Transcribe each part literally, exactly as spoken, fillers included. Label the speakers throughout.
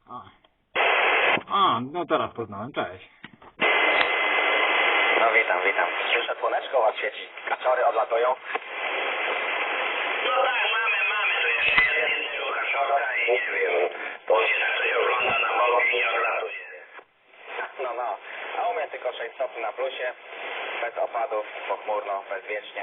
Speaker 1: A. A, no teraz poznałem, cześć.
Speaker 2: No witam, witam. Słyszę, słoneczko was świeci. Kaczory odlatują.
Speaker 3: No tak, mamy, mamy tu jeszcze jednego kaszorka i nie wiem, to się tak coś ogląda na bok i nie odlatuje.
Speaker 2: No, no. A u mnie tylko sześć stopni na plusie. Bez opadów, pochmurno, bezwiecznie.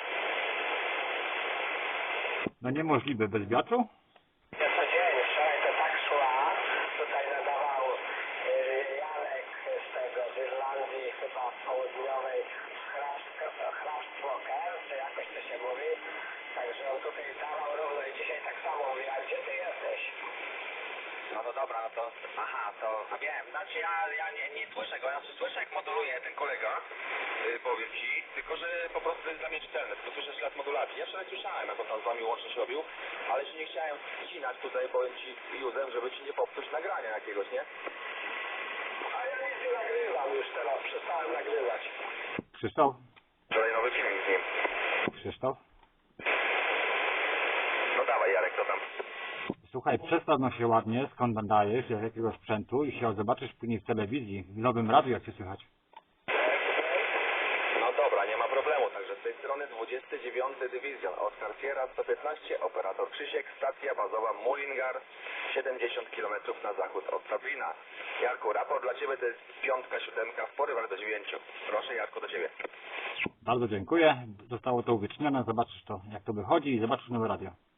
Speaker 1: No niemożliwe, bez wiatru?
Speaker 3: Ja co dzień, wczoraj to tak szła, tutaj nadawał yy, Janek z tego, z Irlandii, chyba południowej, Hrabstwoker, czy jakoś to się mówi. Także on tutaj dawał równo i dzisiaj tak samo mówi, a gdzie ty jesteś?
Speaker 2: No to dobra, no to... Aha, to... A wiem, znaczy ja, ja nie, nie słyszę go, ja słyszę jak moduluje ten kolega,
Speaker 4: Yy, powiem ci, tylko że po prostu to jest dla mnie czytelne, tylko słyszę ślad modulacji. Ja wczoraj słyszałem, jak on tam z wami łączność robił, ale się nie chciałem wcinać tutaj, powiem ci, Józef, żeby ci nie popsuć nagrania jakiegoś, nie?
Speaker 3: A ja nic nie nagrywam już teraz, przestałem nagrywać.
Speaker 1: Krzysztof?
Speaker 4: Wczoraj nowy filmik z nim.
Speaker 1: Krzysztof?
Speaker 4: No dawaj, Jarek, co tam?
Speaker 1: Słuchaj, przedstaw no się ładnie, skąd nadajesz, z jakiego sprzętu i się zobaczysz później w telewizji, w nowym radiu, jak się słychać.
Speaker 4: No dobra, nie ma problemu, także z tej strony dwudziesty dziewiąty Dywizjon, Oskar Sierra sto piętnaście, operator Krzysiek, stacja bazowa Mullingar, siedemdziesiąt kilometrów na zachód od Dublina. Jarku, raport dla Ciebie to jest piątka, siódemka w porywach do dziewięciu. Proszę, Jarku, do Ciebie.
Speaker 1: Bardzo dziękuję, zostało to uwiecznione, zobaczysz to, jak to wychodzi i zobaczysz nowe radio.